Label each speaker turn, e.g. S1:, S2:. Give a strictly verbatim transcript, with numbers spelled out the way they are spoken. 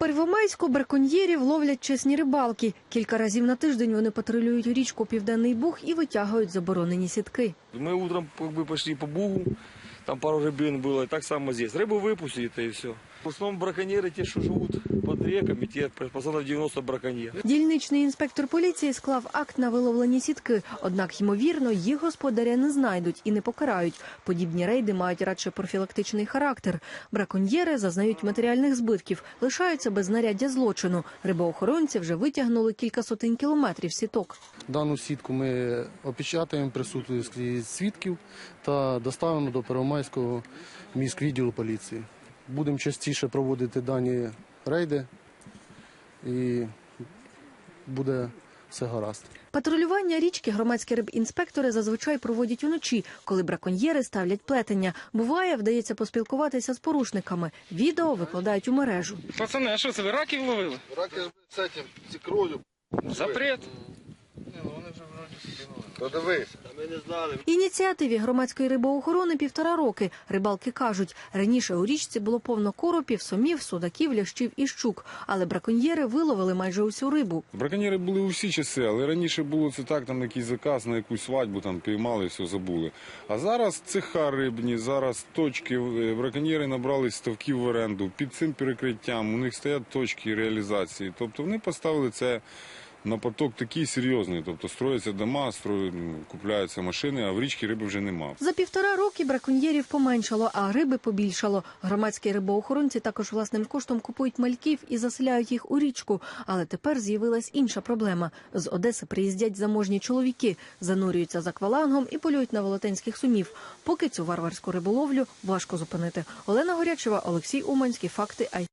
S1: Первомайську браконьєрів ловлять чесні рибалки. Кілька разів на тиждень вони патрулюють річку Південний Буг і витягують заборонені сітки.
S2: Мы утром как бы пошли по Бугу, там пару рыбин было, и так само здесь. Рыбу выпустили, и все. В основном браконьеры, те, что живут под реками, те процентов девяносто браконьеров.
S1: Дільничний інспектор поліції склав акт на виловлені сітки. Однак, ймовірно, їх господаря не знайдуть і не покарають. Подібні рейди мають радше профілактичний характер. Браконьєри зазнають матеріальних збитків, лишаються без знаряддя злочину. Рибоохоронці вже витягнули кілька сотень кілометрів сіток.
S3: Дану сітку ми опечатаємо присутності свідків та доставимо до Первомайського міськвідділу поліції. Будемо частіше проводити дані рейди і буде все гаразд.
S1: Патрулювання річки громадські рибінспектори зазвичай проводять уночі, коли браконьєри ставлять плетення. Буває, вдається поспілкуватися з порушниками. Відео викладають у мережу.
S4: Пацани, а що це, ви раків ловили?
S5: Раки з цим, з ікрою.
S4: Запрет.
S5: То дивись. Ми не знали.
S1: Ініціативі громадської рибоохорони півтора роки. Рибалки кажуть, раніше у річці було повно коропів, сомів, судаків, лящів і щук. Але браконьєри виловили майже усю рибу.
S6: Браконьєри були усі часи, але раніше було це так, там якийсь заказ на якусь свадьбу, там піймали, все забули. А зараз цеха рибні, зараз точки, браконьєри набрали ставків в оренду. Під цим перекриттям у них стоять точки реалізації. Тобто вони поставили це на поток такий серйозний, тобто строяться дома, строять, купляються машини, а в річці риби вже нема.
S1: За півтора роки браконьєрів поменшало, а риби побільшало. Громадські рибоохоронці також власним коштом купують мальків і заселяють їх у річку. Але тепер з'явилась інша проблема. З Одеси приїздять заможні чоловіки, занурюються за аквалангом і полюють на велетенських сомів. Поки цю варварську риболовлю важко зупинити. Олена Горячева, Олексій Уманський, Факти ай.